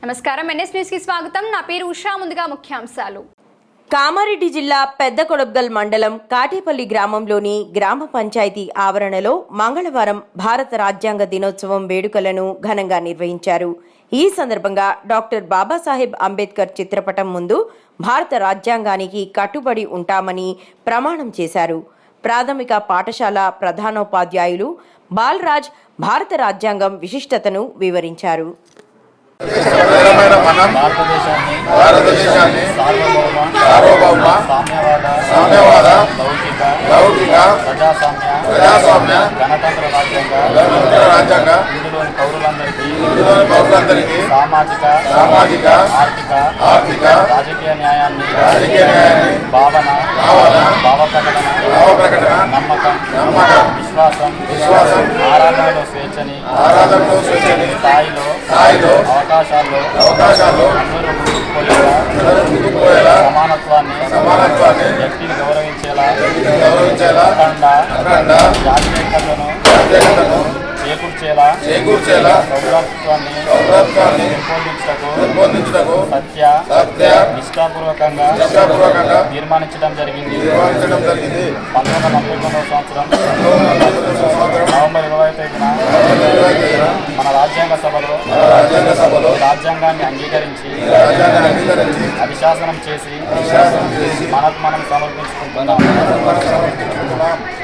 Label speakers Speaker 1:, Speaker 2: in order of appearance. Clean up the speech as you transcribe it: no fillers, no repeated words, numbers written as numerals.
Speaker 1: నమస్కారం NS news కి స్వాగతం నా పేరు ఉషా ముందుగా ముఖ్యాంశాలు
Speaker 2: కామారెడ్డి జిల్లా పెద్దకొడబ్గల్ మండలం కాటేపల్లి గ్రామంలోని గ్రామ పంచాయతీ ఆవరణలో మంగళవారం భారత రాజ్యాంగ దినోత్సవం వేడుకలను ఘనంగా నిర్వహించారు। ఈ సందర్భంగా డాక్టర్ బాబాసాహెబ్ అంబేద్కర్ చిత్రపటం ముందు భారత రాజ్యాంగానికి కట్టుబడి ఉంటామని ప్రమాణం చేశారు। ప్రాథమిక పాఠశాల ప్రధానోపాధ్యాయులు బాలరాజ్ భారత రాజ్యాంగం విశిష్టతను వివరించారు।
Speaker 3: భారతదేశాన్ని సార్వభౌమ సామ్యవాద లౌకిక ప్రజాస్వామ్య గణతంత్ర రాజ్యాంగ ఇందులోని పౌరులందరికీ సామాజిక ఆర్థిక రాజకీయ న్యాయాన్ని భావ ప్రకటన నమ్మకం విశ్వాసం ఆరాధనలో స్వేచ్ఛని స్థాయిలో అవకాశాల్లో సమానత్వాన్ని వ్యక్తిని గౌరవించేలా అఖండ జాతీయతను చేకూర్చేలా సౌభ్రాతృత్వాన్ని పెంపొందించుటకు సత్య నిష్ఠాపూర్వకంగా తీర్మానించడం జరిగింది। 1949 సంవత్సరం నవంబర్ 25న మన రాజ్యాంగ సభలో రాజ్యాంగాన్ని అంగీకరించి అభిశాసనం చేసి మనకు మనం సమర్పించుకుంటున్నాం।